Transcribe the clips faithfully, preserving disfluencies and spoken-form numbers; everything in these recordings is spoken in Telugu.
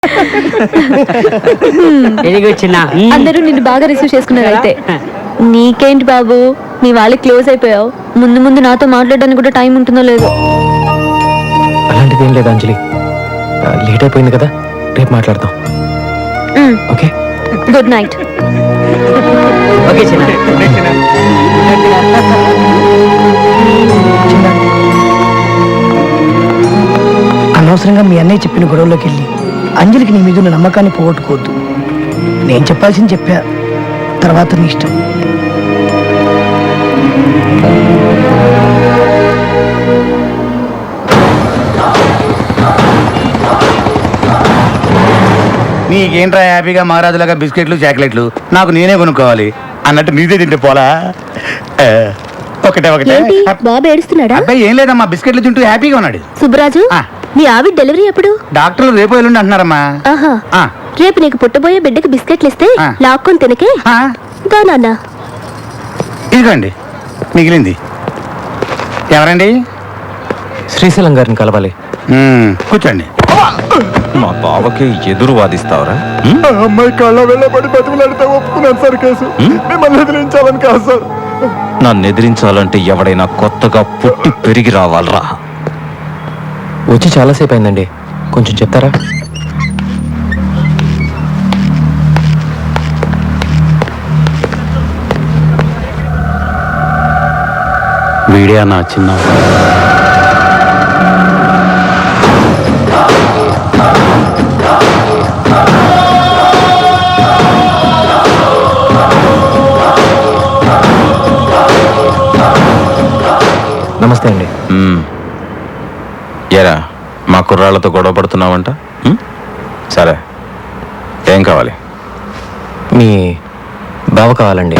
అందరూ నిన్ను బాగా రిసీవ్ చేసుకున్నారు. అయితే నీకేంటి బాబు, నీ వాళ్ళకి క్లోజ్ అయిపోయావు. ముందు ముందు నాతో మాట్లాడడానికి కూడా టైం ఉంటుందో లేదో. అలాంటిది ఏం లేదు అంజలి, లేట్ అయిపోయింది కదా, రేపు మాట్లాడదాం. Okay, good night. ఓకే చిన్న. అనవసరంగా మీ అన్నయ్య చెప్పిన గొడవలోకి వెళ్ళి అంజలికి నీ మీద ఉన్న నమ్మకాన్ని పోగొట్టుకోవద్దు. నేను చెప్పాల్సింది చెప్పా, తర్వాత నీ ఇష్టం. నీకేంట్రా హ్యాపీగా మహారాజులాగా బిస్కెట్లు చాక్లెట్లు నాకు నేనే కొనుక్కోవాలి అన్నట్టు నీదే తింటే పోలా. ఒకటే ఒకటే. బాబు ఏడుస్తున్నాడా? అబ్బాయి ఏం లేదమ్మా, బిస్కెట్లు తింటూ హ్యాపీగా ఉన్నాడు. సుబ్బరాజు, నీ ఆవిడ డెలివరీ ఎప్పుడు? డాక్టర్లు రేపు ఎల్లుండి అంటున్నారమ్మా. ఆహా, రేపు నీకు పుట్టబోయే బిడ్డకి బిస్కెట్లు ఇస్తే లాక్కొని తినకే. దా నాన్న. ఇదిగోండి మిగిలింది. ఎవరండి? శ్రీశైలం గారిని కలవాలి. కూర్చోండి. మా బావకి ఎదురు వాదిస్తావరా? అమ్మాయి కళ్ళ వెళ్ళబడి బతిమలాడితే ఒప్పుకున్నాను సార్ కేసు. మిమ్మల్ని ఎదిరించాలని కాదు సార్. నన్ను ఎదిరించాలంటే ఎవడైనా కొత్తగా పుట్టి పెరిగి రావాలరా. వచ్చి చాలాసేపు అయిందండి, కొంచెం చెప్తారా? వీడియో నా చిన్న నమస్తే అండి. ఎరా మా కుర్రాళ్ళతో గొడవ పడుతున్నావంట? సరే, ఏం కావాలి? మీ బావ కావాలండి.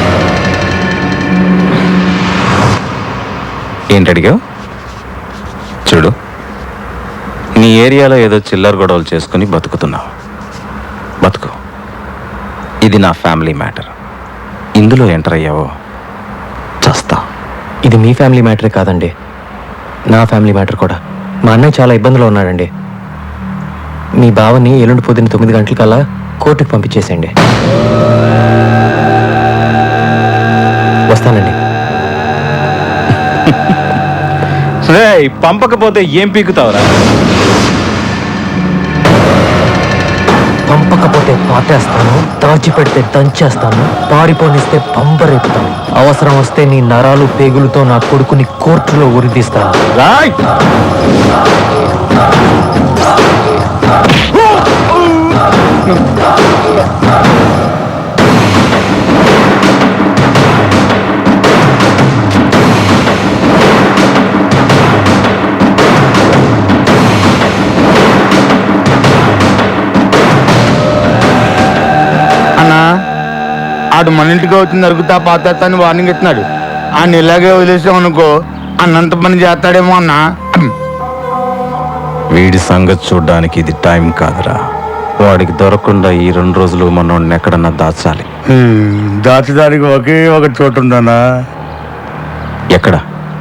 ఏంటి అడిగావు? చూడు, నీ ఏరియాలో ఏదో చిల్లర గొడవలు చేసుకుని బతుకుతున్నావు. బతుకు. ఇది నా ఫ్యామిలీ మ్యాటర్. ఇందులో ఎంటర్ అయ్యావో చస్తా. ఇది మీ ఫ్యామిలీ మ్యాటరే కాదండి, నా ఫ్యామిలీ మ్యాటర్ కూడా. మా అన్నయ్య చాలా ఇబ్బందులు ఉన్నాడండి. మీ బావని ఎల్లుండి పొద్దున్న తొమ్మిది గంటలకల్లా కోర్టుకు పంపించేసేయండి. వస్తానండి. పంపకపోతే ఏం పీకుతావురా? పంపకపోతే పాటేస్తాను, దాచిపెడితే దంచేస్తాను, పారిపోనిస్తే పంపరేపుతాను. అవసరం వస్తే నీ నరాలు పేగులతో నా కొడుకుని కోర్టులో ఉరిదీస్తాను. రాయ్! ఆడు మన ఇంటికి వచ్చి నరుగుతా పాతేస్తా అని వార్నింగ్ ఇస్తున్నాడు. ఆయన ఇలాగే వదిలేసాం అనుకో అన్నంత పని చేస్తాడేమో అన్నా. వీడి సంగతి చూడ్డానికి ఇది టైం కాదురా. వాడికి దొరకకుండా ఈ రెండు రోజులు మనోడిని ఎక్కడన్నా దాచాలి. దాచడానికి ఒకే ఒక చోటు ఉందన్నా. ఎక్కడ?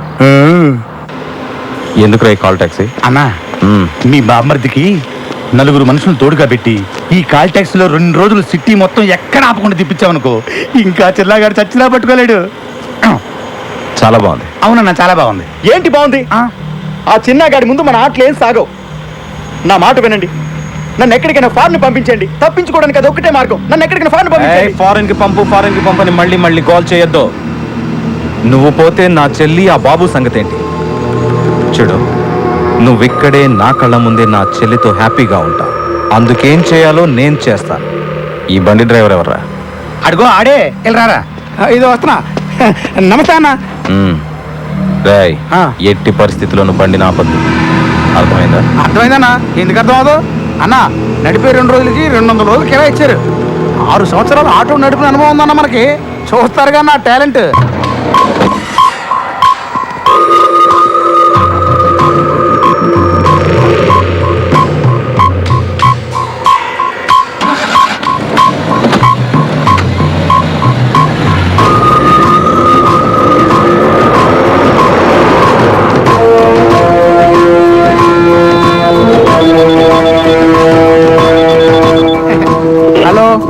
ఎందుకు రా కాల్ టాక్సీ? అన్నా, మీ బామ్మర్దికి నలుగురు మనుషులు తోడుగా పెట్టి ఈ కాల్ ట్యాక్సీలో రెండు రోజులు సిటీ మొత్తం ఎక్కడ ఆపకుండా తిప్పించామనుకో ఇంకా చిల్లాగాడు చచ్చినా పట్టుకోలేడు. చాలా బాగుంది. అవునన్నా, చాలా బాగుంది. ఏంటి బాగుంది? ఆ చిన్నగాడి ముందు మన ఆటలు ఏం సాగవు. నా మాట వినండి, నన్ను ఎక్కడికైనా ఫారెన్ పంపించండి. తప్పించుకోవడానికి అది ఒక్కటే మార్గం. నన్ను ఎక్కడికైనా ఫారెన్ పంపించండి. ఫారెన్ కి పంపు, ఫారెన్ కి పంపని మళ్ళీ మళ్ళీ కాల్ చేయొద్దు. నువ్వు పోతే నా చెల్లి ఆ బాబు సంగతి ఏంటి? చూడు, నువ్విక్కడే నా కళ్ళ ముందే నా చెల్లితో హ్యాపీగా ఉంటావు. అందుకేం చేయాలో నేను చేస్తాను. ఈ బండి డ్రైవర్ ఎవర్రా? అడుగో ఆడే, వెళ్ళరారా. ఇది వస్తున్నా. నమస్తే అన్న. రాయ్, ఎట్టి పరిస్థితుల్లోనూ బండి నాపద్దు. అర్థమైందా? అర్థమైందన్నా. ఎందుకు అర్థం అవదు అన్నా? నడిపే రెండు రోజులకి రెండు వందల రోజులు కిరా ఇచ్చారు. ఆరు సంవత్సరాలు ఆటో నడిపిన అనుభవం ఉందన్న మనకి. చూస్తారుగా నా టాలెంట్.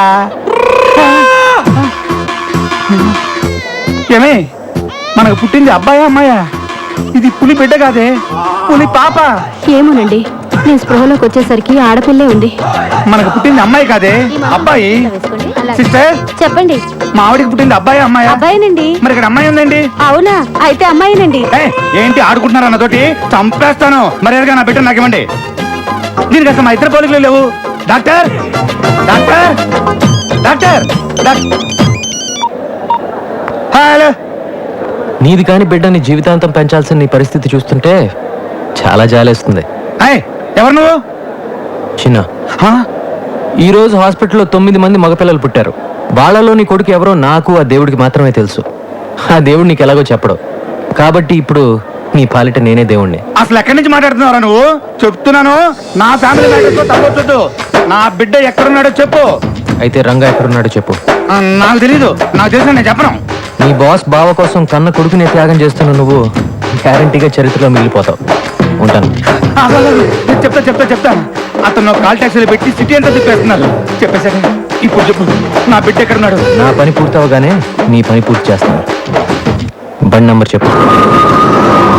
ఏమే మనకు పుట్టింది అబ్బాయా అమ్మాయా? ఇది పులి బిడ్డ కాదే, పులి పాప. ఏమోనండి, నేను స్పృహలోకి వచ్చేసరికి ఆడపిల్లే ఉంది. మనకు పుట్టింది అమ్మాయి కాదే, అబ్బాయి. సిస్టర్, చెప్పండి. మా ఆవిడికి పుట్టింది అబ్బాయి అమ్మాయా? అబ్బాయినండి. మరి ఇక్కడ అమ్మాయి ఉందండి. అవునా? అయితే అమ్మాయినండి. ఏయ్, ఏంటి ఆడుకుంటున్నారు అన్నతోటి? చంపేస్తాను. మరి ఎలాగా నా బిడ్డ నాకు ఇవ్వండి. దీనికి అసలు మా ఇద్దరు పోలికలు లేవు. Doctor doctor doctor doc- hello. నీది కాని బిడ్డని జీవితాంతం పెంచాల్సిన నీ పరిస్థితి చూస్తుంటే చాలా జాలేస్తుంది. ఏయ్, ఎవరు నువ్వు? చిన్న, హా? ఈ రోజు హాస్పిటల్లో తొమ్మిది మంది మగపిల్లలు పుట్టారు. వాళ్ళలో నీ కొడుకు ఎవరో నాకు ఆ దేవుడికి మాత్రమే తెలుసు. ఆ దేవుడు నీకు ఎలాగో చెప్పడు. కాబట్టి ఇప్పుడు నీ పాలిట నేనే దేవుణ్ణి. అసలు ఎక్కడి నుంచి మాట్లాడుతున్నారా నువ్వు? చెప్తున్నాను, నా ఫ్యామిలీ మ్యాటర్తో తప్పొద్దు. నా బిడ్డ ఎక్కడున్నాడో చెప్పు. అయితే రంగా ఎక్కడున్నాడో చెప్పు. ఆ, నాకు తెలీదు. నాకు తెలుసు, నేను చెప్పను. నీ బాస్ బావ కోసం కన్న కొడుకునే త్యాగం చేస్తున్న నువ్వు గ్యారంటీగా చరిత్రలో మిగిలిపోతావు. ఉంటాను. అసలు నేను చెప్తా చెప్తా చెప్తాను. అతను కాల్ ట్యాక్సీలు పెట్టి సిటీ అంతా తిప్పేస్తున్నారు. చెప్పేశాక ఇప్పుడు చెప్పు, నా బిడ్డ ఎక్కడున్నాడు? నా పని పూర్తవగానే నీ పని పూర్తి చేస్తాను. బండి నంబర్ చెప్పు.